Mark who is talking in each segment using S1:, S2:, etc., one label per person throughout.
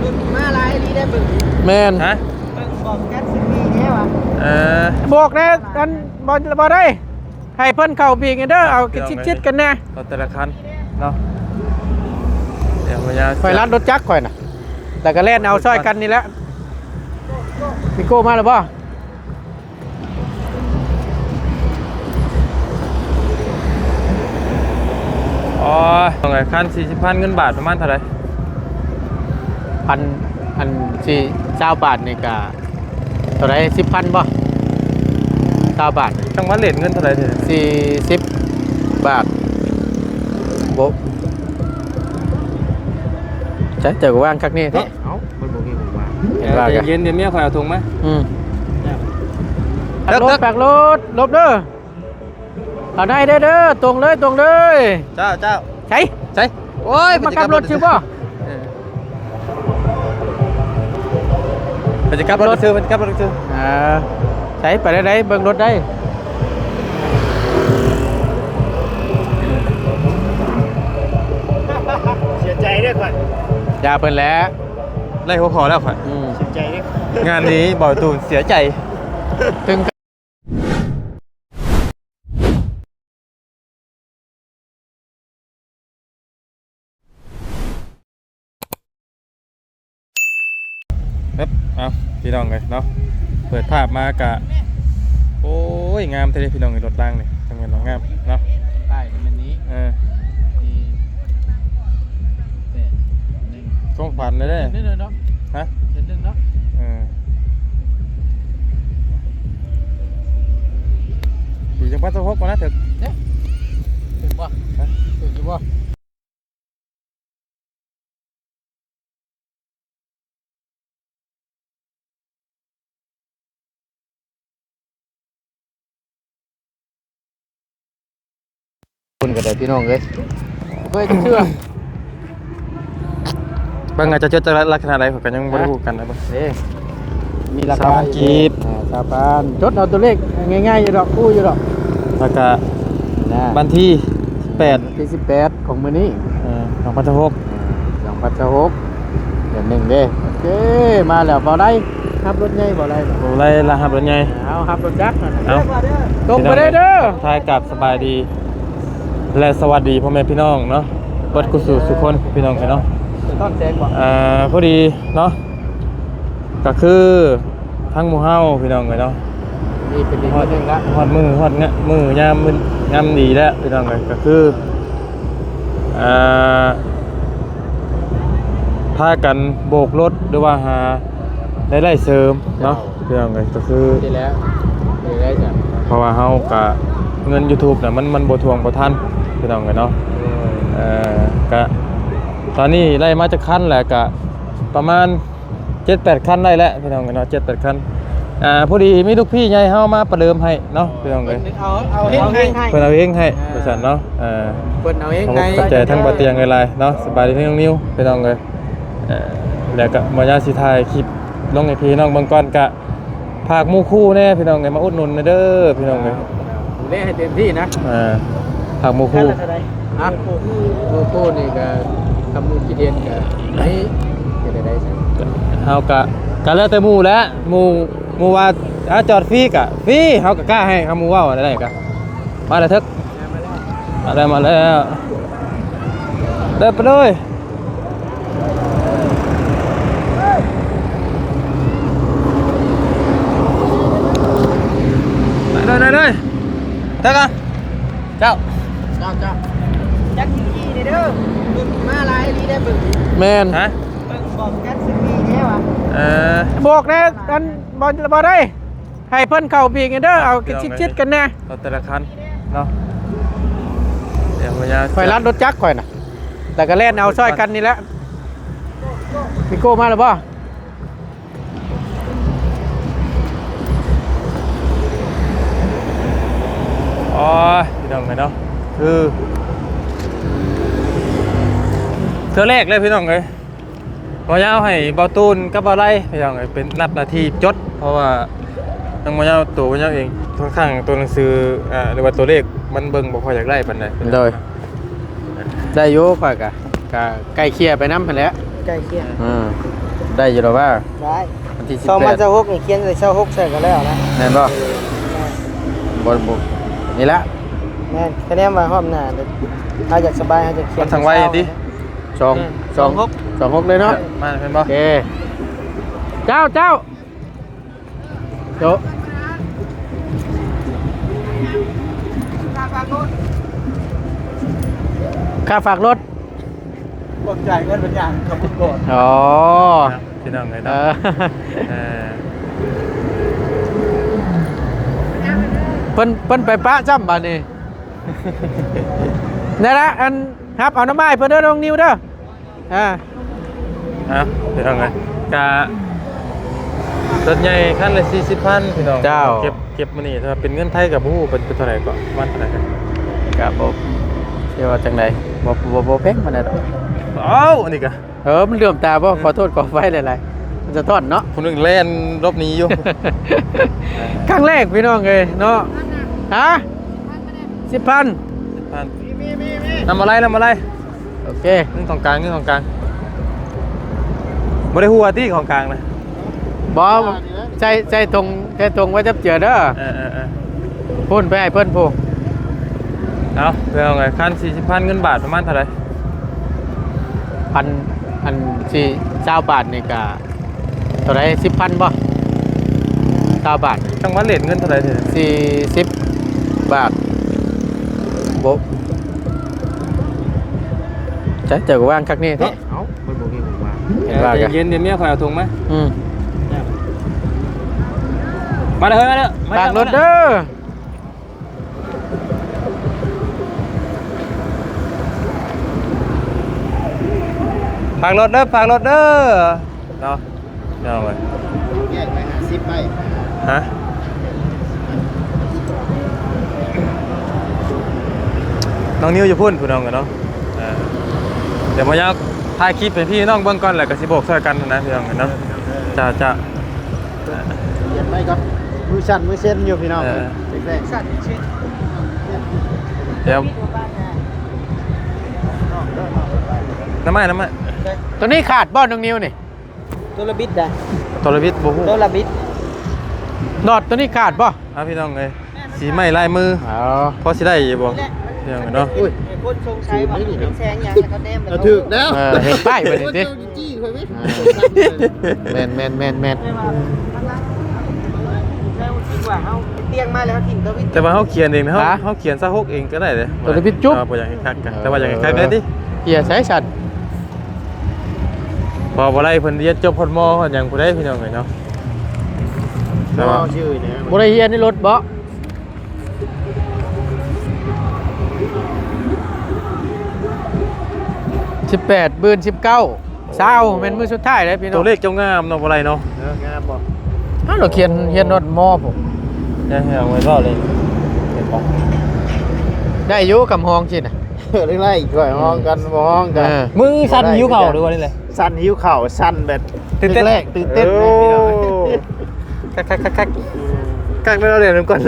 S1: มาลายลีได้บึ้ง
S2: แมน
S3: ฮะ
S1: บอกแก๊สมีแค่วะ
S2: บอกนะอันบ่ได้ให้เพิ่นเข้าพีกันเด้อเอาชิดๆกันแน่
S3: รถแต่ละคันเนาะเดี๋ยวพยา
S2: ข่อยรัดรถจักรข่อยน่ะแต่ก็เล่นเอาซอยกันนี่แหละพี่โก้มาแล้วบ่
S3: อ๋อตรงไหนคัน40,000เงินบาทประมาณเท่าไหร่
S2: อันสี่20 บาทนี่ก็เท่าไหร่10,000บ่20 บาท
S3: จังหวัดเลทเงินเท่าไหร่เด้อ
S2: 40 บาทบ่ใช่เจอก็ว่างคักนี่เนาะ
S1: เอ้าคนบอกให้ผมว่า
S2: เห็นว่ากัน
S3: เย็นเดี๋ยวเมียข่อยเอาถุงมา
S2: แปกรถลบเด้อเอาได้เด้อตรงเลย
S3: เจ้า
S2: ใช่
S3: ใช่โอ้ย
S2: มากลับรถชื่อบ่
S3: ไปจะกลับรถซื้อมันกลับรถซื้อ
S2: ใช่ไปได้เบิ่งรถได้
S1: เสียใจด้วยก่อน
S2: อย่าเพิ่นแล้ว
S3: ไล่หัวคอแล้วข่อย
S1: เสียใจด้วย
S3: งานนี้บ่อยตูนเสียใจ
S2: ถึง
S3: เอาพี่น้องเลยเนาะเปิดภาพมากะโอ้ยงามเท่เลยพี่น้องเลยรถล่างเลยทำงานน้องงามเนาะ
S2: ใต้มันนี้
S3: ต้องฝันเลยเด้
S2: นิดนึงเนาะ
S3: ฮะ
S2: นิดนึงเนาะ
S3: อยู่จังหวัดสะพกก่อนนะเถอะ
S2: ถึงบ่ถึงอยู่บ่คุณก็ได้พี่น้องเลยเคยเชื่อบ
S3: างงานจะเจอจะลักษณะอะไรผมกันยังไม่รู้กันนะบ้าง
S2: มีราคา
S3: 3กีบ
S2: 3,000จดเอาตัวเลขง่ายๆอยู่ดอกคู่อยู่ดอก
S3: แล้วก็
S2: นะ
S3: วันที่8
S2: ที่18ของมื้อนี้
S3: ของพันธพก
S2: 2016เดือน1เด้โอเคมาแล้วบ่ได้ขับรถใหญ่บ่ได้
S3: โอ้ไรละครับรถใหญ่
S2: เอาขับรถจักรนั่น
S3: เอา
S2: ตรงไปเด้อ
S3: ทายกับสบายดี และสวัสดีพ่อแม่พี่น้องเนาะเปิดกุศลสุขคนพี่น้องกันเนาะ
S2: ต้นแจงบ่
S3: พอดีเนาะก็คือทั้งหมู่เฮาพี่น้องกันเนาะ
S2: นี่เป็นอีกคนหนึงละ
S3: ฮอดมือยามดีแล้วพี่น้องกันก็คือพากันโบกรถหรือว่าหาได้เสริมเนาะพี่น้องกันก็คือ
S2: ดีแล้วดีแล้วจ้ะ
S3: เพราะว่าเฮากะเงิน YouTube น่ะมันบ่ทวงบ่ทันพี่น้องกันเนาะกะตอนนี้ไล่มาจากคันแหละกะประมาณ 7-8 คันได้แล้วพี่น้องกันเนาะ 7-8 คันพอดีมีลูกพี่ใหญ่เฮามาประเดิมให้เนาะพี่น้องเอ้ย
S2: เอาเองให้
S3: เพิ่นเอาเองให้บริษัทเนาะ
S2: เพิ่นเอาเอง
S3: ผม
S2: ให้
S3: เข้าใจทั้งบ่เตียงหลายๆเนาะสบายดีทั้งน้องนิวพี่น้องเอ้ยแล้วก็บ่ยาสิถ่ายคลิปลงให้พี่น้องเบิ่งก่อนกะฝากหมู่คู่แน่พี่น้องเอ้ยมาอุดหนุนเด้อพี่น้องเอ้ย
S2: ดูแลให้เต็มที่นะ
S3: ฝากหมู่คู่
S2: อ่ะโลโก้นี่ก็ทำมูลกิเดียนก็ให้จะได้ใช่
S3: เฮากะแล้วแต่หมู่แล้วหมู่ว่าจอดฟรีกะฟรีเฮาก็กล้าให้หมู่เว้าได้กะมาแล้วเถอะมาแล้วเดินไปเลยได้เลยเถอะเจ้า
S1: จักอยู่ยี่เด้อบึ้งมาลายลีได้บึ้ง
S2: แมน
S3: ฮะ
S1: บอกแก๊สมีแค่วะ
S2: บอกนะอันบ่ได้ให้เพิ่นเข้าพีกันเด้อเอาชิดๆกันแน่
S3: รถแต่ละคันเนาะเดี๋ยวพยา
S2: ข่อยรัดรถจักรข่อยน่ะแต่ก็เล่นเอาซอยกันนี่แหละพี่โก้มาแล้วบ่
S3: อ๋อพี่น้องเนาะคือเธอแรกเลยพี่น้องเลยมายาวให้เบาตูนกับเบาไล่พี่น้องเลยเป็นรับหน้าที่จดเพราะว่าทางมายาวตัวมายาวเองค่อนข้างตัวหนังสือหรือว่าตัวเลขมันเบิ่งบ่ค่อยอยากไล่ปานใด
S2: โดยได้อยู่ข่อยก็ใกล้เคียร์ไปนำหั่นแหละ
S1: ใกล้เคียง
S2: ได้อยู่หรอว่า
S1: ได้
S2: วันที่
S1: สองมัน
S2: 18
S1: จะหกนี่เขียนใส่เช้าหกใส่กันแล้วนะ
S2: แม่นบ่บ่บ่นี่ละ
S1: แม่นคะแนนมาห้อมหน้าเด้อถ้าอยากสบายถ้าจะเขียน
S3: มันทางไว้ดิ
S2: 26เลยเนาะ
S3: มาเป็นบ่
S2: โอเคเจ้าโจค่าฝากรถ
S1: บอกจ่ายเงินเป็นอย่างขอบคุณก่อน
S2: อ๋อ
S3: พี่น้องเลย
S2: เอ
S3: เนาะ
S2: อเพิ่นไปปะจ้ำบาดนี้ นี่ละอันครับเอาน้ำไม้เพิ่นเด้อน้องนิวเด้อ
S3: พี่น้องเลยกะรถใหญ่คันละ40,000พี่น้องเก็บมานี่ถ้าเป็นเงินไทยกับผู้เป็นเท่าไหร่ก็วันเท่าไหร่กัน
S2: ครับผมเชื่อว่าจังไดบ่แพงมันได้ดอก
S3: เอ้าอันนี้กะ
S2: มันเหลื่อมตาบ่ขอโทษขอไฟหลายๆมันจะต้อนเนาะ
S3: คนนึงแล่นรอบนี้อยู่
S2: ครั้งแรกพี่น้องเอ้ยเนาะฮะ10,000
S3: นำอะไร
S2: โอเค
S3: นึงของกลางบ่ได้หัวที่ของกลางนะ
S2: บ่ใจตรงไว้จับเจือเด้อพุ่นไปให้เพิ่นผู้
S3: เอาเพื่อนไงคัน40,000เงินบาทประมาณเท่าไหร่
S2: อันสี่20บาทนี่ก็เท่าไหร่10,000บ่20บาท
S3: จังหวัดเลทเงินเท่าไหร่เถอะ
S2: 40บาทบ่เจอก็ว่างคักนี่เนาะมันบ่มีผมว่าเห็นว่ากัน
S3: เย็นเดี๋ยวเมียคอยเอาถุงไหม มาเลยมาเลย
S2: ฝากรถเด้อ
S3: ฝากรถเด้อเนาะเอาไป
S1: แยกไป50ใบ
S3: ฮะน้องนิวจะพูดผู้น้องกันเนาะเดี๋ยวมาอยากถ่ายคลิปเป็นพี่น้องเบื้องก่อนแหละกับสิโบกช่วยกันนะพี่น้องกันเนาะจะ
S1: เขียนไปก่อนมือสั่นมือเส้นอยู่พี่น้องแรกสั่นชิ้น
S3: เดี๋ยวน้ำมัน
S2: ตัวนี้ขาดบ่น้องนิวนี่
S1: ตัวละบิดได้
S3: ตัวละวิทย์บูฮู
S1: ตัวละบิด
S2: นอดตัวนี้ขาดบ่
S3: พี่น้องเลยสีไม้ลายมือ
S2: อ๋อ
S3: พอสิได้อยู่บ่พี่น้องเนาะ
S1: คนชงชัยว่าเป็นแซงยังเขาแนมมันถูกแล้ว
S2: เห็นป้ายไปดิ
S1: จี้เคยไหม
S2: แม่น
S1: เตียงมาแล้วถิ่นตัววิทย์
S3: แต่ว่าเขาเขียนเองนะเขาเขียนซะฮกเองก็ได้เลย
S2: ตัวนี้พี่จุ๊บ
S3: พออย่างคักกันแต่ว่าอย่างคักได้ดิ
S2: เกียร์ใช้สัน
S3: พอบ่ได้เพิ่นเรียนจบพลมออย่างผู้ใดพี่น้องเลยเนาะแต่ว่า
S1: ชื่อเนี่ย
S2: บ่ได้เฮียนในรถบ่18บืน19เช้าเป็นมื้อสุดท้ายเลยพี่น้อง
S3: ตัวเลขเจ้างามเนาะบ่ไรเนาะ
S1: งามบ่
S2: เราเขียนรถมอผม
S3: เนี่ยเอาไว้รอเลยเห็นบ่
S2: ได้อยู่กับห้องชิน่ะ
S1: เรื่องไรอีกด้วยห้องกันบ่ห้องกัน
S3: มึงสั่นหิวเข่าหรือว่านี่แหละ
S1: สั่นหิวเข่าสั่นแบบตื่นเต้นตื่นเต้น
S3: คักแล้วเดี๋ยวก่อน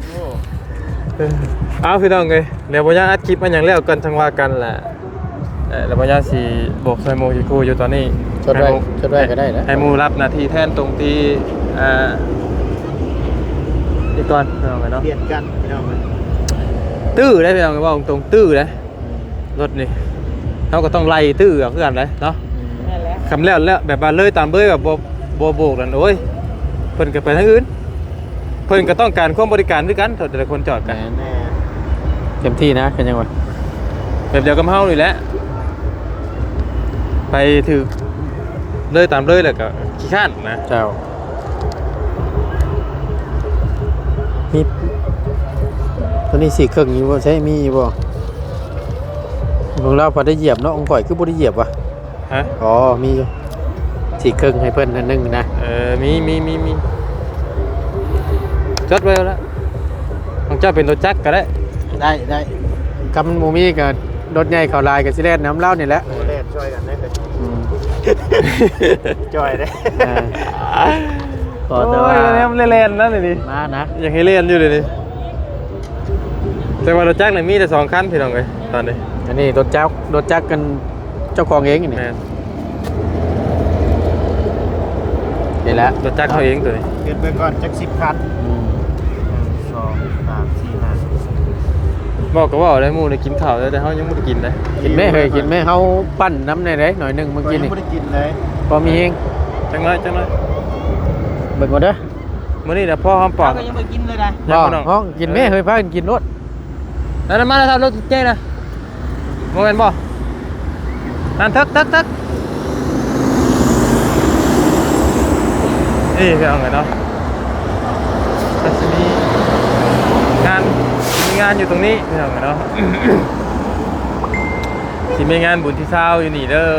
S3: เอาพี่น้องเอ้ยเดี๋ยวบ่ยาอัดคลิปมันอย่างแล้วกันจังว่ากันแหละแล้วบ่ยาสิบอกใส่โมสิคูอยู่ตอนนี้
S2: ชดไว้ก็ได้นะ
S3: ให้หมูรับหน้าที่แทนตรงที่นี่ก่อนพี่น้องเนาะ
S1: เปลี่ยนกันพี่น้อง
S3: ตื้อได้พี่น้องว่าตรงตื้อได้รถนี่เขาก็ต้องไล่ตื้อเอาคือกันเลยเนาะคำแล้วแบบว่าเลยตามเบยแบบโบกนั่นโอ้ยเพิ่นก็ไปทางอื่นเพิ่นก็ต้องการความบริการด้วยกันแต่ละคนจอดกัน
S2: เต็มที่นะเป็นยังไง
S3: แบบเดียวกับเฮานี่แหละไปถือเลยตามเลยแหละก็ขี้ข้านนะ
S2: เจ้ามีตัวนี้4 เครื่องอยู่บ่ใช่มีอยู่บ่พวกเราพอได้เหยียบเนาะองค์ก่อยคือบ่ได้เหยียบว่ะ
S3: ฮะ
S2: อ๋อมีอยู่4 เครื่องให้เพิ่นอันนึงนะ
S3: มีจดไว้แล้วของเจ้าเป็นรถจักรก็ได้
S2: ได้คำหมูมีกับรถใหญ่เขาลายกับสิเลนน้ำเล่านี่แหละ
S1: โอ้เล่นช่วยกันได้เลยจอยได้
S2: ขอแต่ว่า
S3: เนี่ยมันเล่นๆนะนี่
S2: มานะ
S3: อยากให้เล่นอยู่เลยนี่แต่ว่ารถจักรเนี่ยมีแต่2 คันพี่น้องเลยตอนนี้
S2: อันนี้รถจักรกันเจ้าของเองนี่
S3: แม่น
S2: แล้ว
S3: รถจักรเขาเองตัวนี้
S1: เกินไปก่อนจัก10คัน1 2 3 4 5
S3: บอกก็ว่าได้หมู่ได้กินข้าวแล้วแต่เฮายังบ่ได้กินเลย
S2: กินไหมเคยกินไหมเฮาปั้นน้ำในไหนหน่อยหนึงเมื่อกี้นี่
S1: ไม่ได้กินเลย
S2: พอมีเอง
S3: จังน้อยจังน้อย
S2: เบิ่งก่อนเด้อ
S3: มื้อนี้น่ะพ่อหอมปาก
S1: ก็ยังไม่กินเลยนะ
S3: ยั
S2: บ่
S3: งบ่น้อง
S2: ห้องกินไหมเคยพากันกินรถ
S3: นั่นมาแล้วครับรถเจ๊นะโมเมนบ่นั่นทึกนี่คือเอาไงเนาะก็จะมีงานอยู่ตรงนี้คือเอาไงเนาะ ที่มีงานบุญที่เศร้าอยู่นี่เด้อ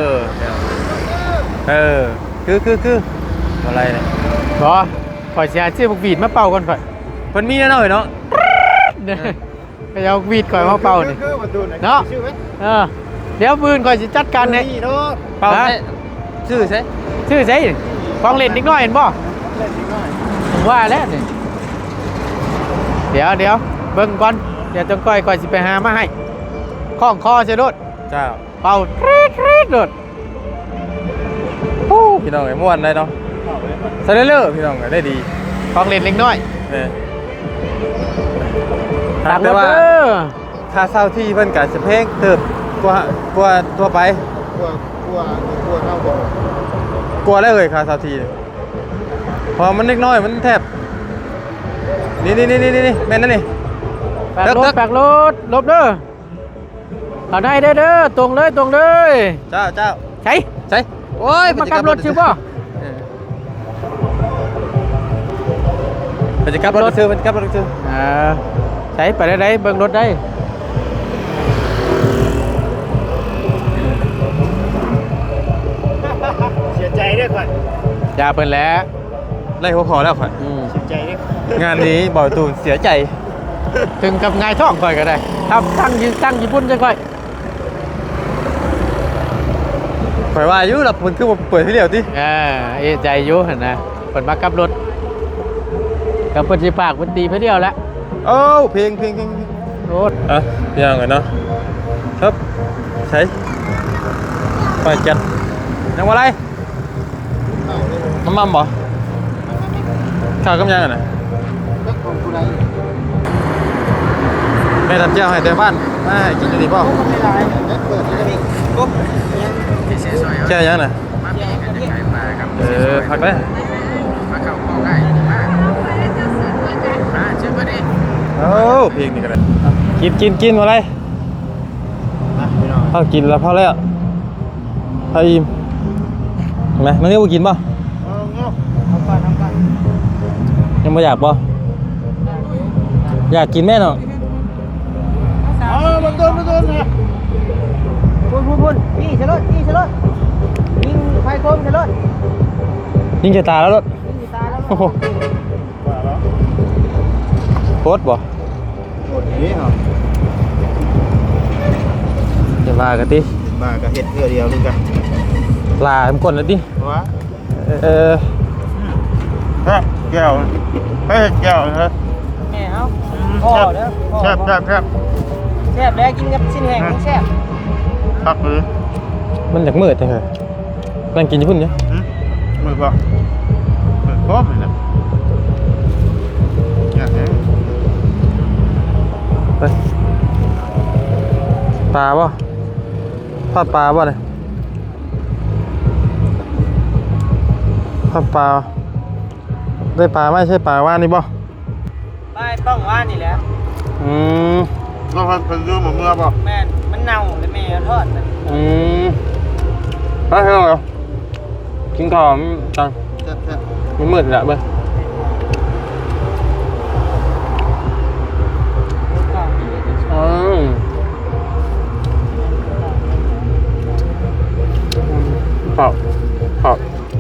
S3: คืออะไรเนี่ย
S2: บ่ข่อยสิหาซื้อบักวีดมาเป่าก่อนข่อย
S3: เพิ่นมีแน่นอนเนาะ
S2: เด้อไปเอาวีดข่อยมาเป่านี่
S1: คือประตูไหน
S2: เนาะ
S1: ชื่อไหม
S2: เดี๋ยวปืนข่อยสิจัดการให้
S1: นี่เนาะ
S3: เป่าใช่ชื่อใช่
S2: ชื่อไสของเล่นนิดหน่อยเห็นบ่
S1: เล่นนิดหน่อย
S2: ผมว่าแล้วนี่เดี๋ยวเบิ่งก่อนเดี๋ยวจงก้อยสิไปหามาให้คล้องคอใช่รถ
S3: เจ้า
S2: เป่าทรีดรถ
S3: พี่น้องไอ้ม่วนได้เนาะซะเลอๆพี่น้องได้ดี
S2: ของเล่นเล็กน้อย
S3: หากแต่ว่า ค่าเช่าที่เพิ่นก็จะแพงเติบกว่าตัวไป
S1: กลัวเข้าบ่
S3: กลัวได้เลยค่าเช่าที่เนี่ยพอมันเล็กน้อยมันแทบนี่แม่นนั่นนี่
S2: แปกรถลบเด้อเอาได้เด้อตรงเลย
S3: เจ้า
S2: ใช่
S3: ใช่โอ้ย
S2: มากลับรถชื่อบ่
S3: มันจะกลับรถซื้อมันกลับรถซื้อ
S2: ใช่ไปได้เบิ่งรถได้
S1: เสียใจด้วยก่อน
S2: อย่าเพิ่นแล้ว
S3: ไล่หัวคอแล้วข่อย
S1: เสียใจด้วย
S3: งานนี้บ่อยตูนเสียใจ
S2: ถึงกับง่ายท้องข่อยก็ได้ทำตั้งญี่ปุ่นจังค่อย
S3: ข่อยว่าอยู่ล่ะมันคือบ่เปิดที่เดียวติ
S2: เอะใจอยู่หั่นนะเพิ่นมากลับรถกับเพิ่นสิปากเพิ่นตีเพิ่นเดียวแล้ว
S3: โอ้เพลง
S2: รถ
S3: พี่น้องกันเนาะครับใช้ไปจัดยังว่าไรน้ำมันบ่ข้าวกำยังอ่ะนะ
S1: ก็ของกูได้
S3: แม่ทำเจ้าให้เต็มบ้านมาให้กินอยู่ดีป่ะ
S1: ไม่ได้เปิดเลยปุ๊บ
S3: เจ้ายังน่ะพักเลยโอ้เพลงนี่กันเลยกินมาเลยเอากินแล้วพอแล้วเอาอิ่มไหมมันเรียกว่ากินป่ะยังไม่อยากป่ะอยากกินแม่เนาะ
S1: มาโดนนะพุ่นนี่เฉลิดยิงไฟโคมเฉลิด
S3: ยิงจะตาแล้วรถ
S1: ยิงตายแล้ว
S3: โอ้โหโคตรบ่
S1: หมดนี้เหรอ
S3: จะมากันดิ
S1: มาก็เห็ดเดียวนึงกัน
S3: ลาผมกดแล้วดิ
S1: วะ
S3: เออ
S1: แก้วเฮ้ยแก้วฮะ
S4: แม่เอาพ่อเด้อพ่อ
S1: แซ่บ
S4: แซ่บแล้วกินกับชิ้นแห้งแซ่บ
S1: พักมือ
S3: มันอยากมืดจังเลยนั่งกินญี่ปุ่นเนี่ย
S1: มือป่ะมือพร้อมเลยนะอยากเห็น
S3: ไปปลาป่ะทอดปลาป่ะเนี่ยทอดปลาได้ปลาไม่ใช่ปลาว่านี่ป่ะ
S4: ไปต้องว่านี่แหละ
S1: ก็พันเรื่องหมดเมื่อป่ะ
S4: แม่นมันเน่าเลยแม่ทอดน่ะ
S3: ไปเถอะกินข้าวจัง
S1: แซ่บ
S3: มันมืดแล้วเบ้ยเปล่า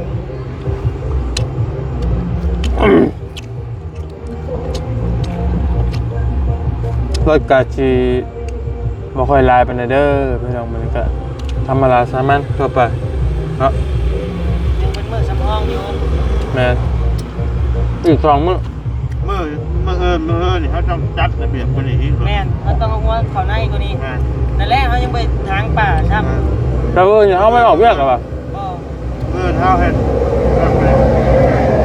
S3: ๆรถกาจีบ่ค่อยลายปานใดเด้อพี่น้องมันก็ธรรมดาสามัญทั่วไปเนาะ
S4: ยังเป็นมือสำรองอยู่
S3: แม่นอีก2 มื้อ
S1: มือนี่เขาต้องจัดระเบียบคนนี้
S4: แม่นเขาต้องเอาหัวเข้าในกว่านี้นั่นแหละเขายังไปทางป่าซ้ำ
S3: แต่ว่าอย่าเฮาไม่ออกเวียกหรอวะ
S4: บ่
S1: มือเท้าเห็ด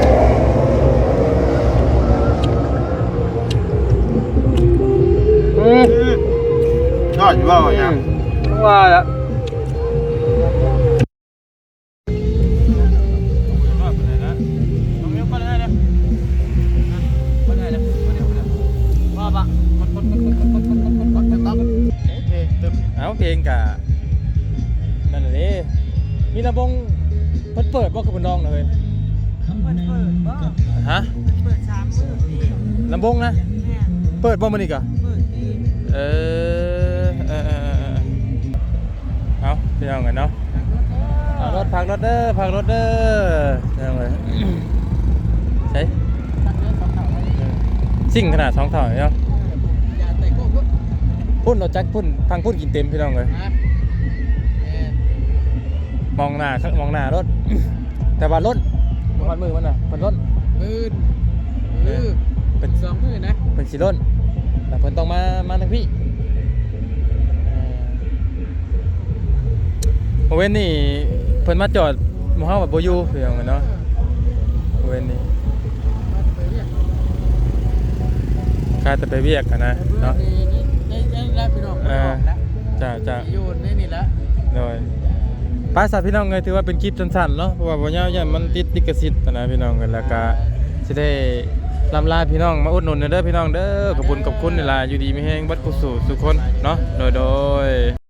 S3: องเพลงกะนั่นแหละเด้มีลำวงเปิดบ่กับเพิ่นน้องน่ะเฮ้ย
S4: เปิดบ่
S3: ฮะ
S4: เปิด3มื้อพี่
S3: ลำวงนะ
S4: แม่
S3: เปิดบ่มื้อนี้กะ
S4: เปิดพี่
S3: เอาพี่น้องกันเนาะพักรถเด้อพี่น้องเอ้ยใช่สิ่งขนาด2เท่าเนาะ
S1: อย่าเตะโก้พุ่น
S3: พุ่นเราจักพุ่นทางพุ่นกินเต็มพี่น้องเลย
S1: นะแม่
S3: มองหน้ารถ แต่ว่ารถมันมือมันน่ะมันรถ
S1: มือเป็น2มื้อนะ
S3: เป็นสีรถแต่เพิ่นต้องมาทางพี่โมเว้นนี่เพิ่นมาจอดหมู่เฮาแบบบ่อยู่พี่น้องเนาะโมเว้นนี่ค่าจะไปเวียกกันนะเนาะ
S1: นี่แล้วพี่น้องบอกแล้ว
S3: จะ
S1: อยู่ในนี่แล้ว
S3: โดยป้าสัตว์พี่น้องเลยถือว่าเป็นคลิปสั้นๆเนาะเพราะว่าบ่ยาวยันมันติดลิขสิทธิ์นะพี่น้องกันแล้วก็สิได้ลำลาพี่น้องมาอุดหนุนเด้อพี่น้องเด้อขอบคุณนี่ล่ะอยู่ดีมีแฮงบัดกุศลสุคนเนาะโดย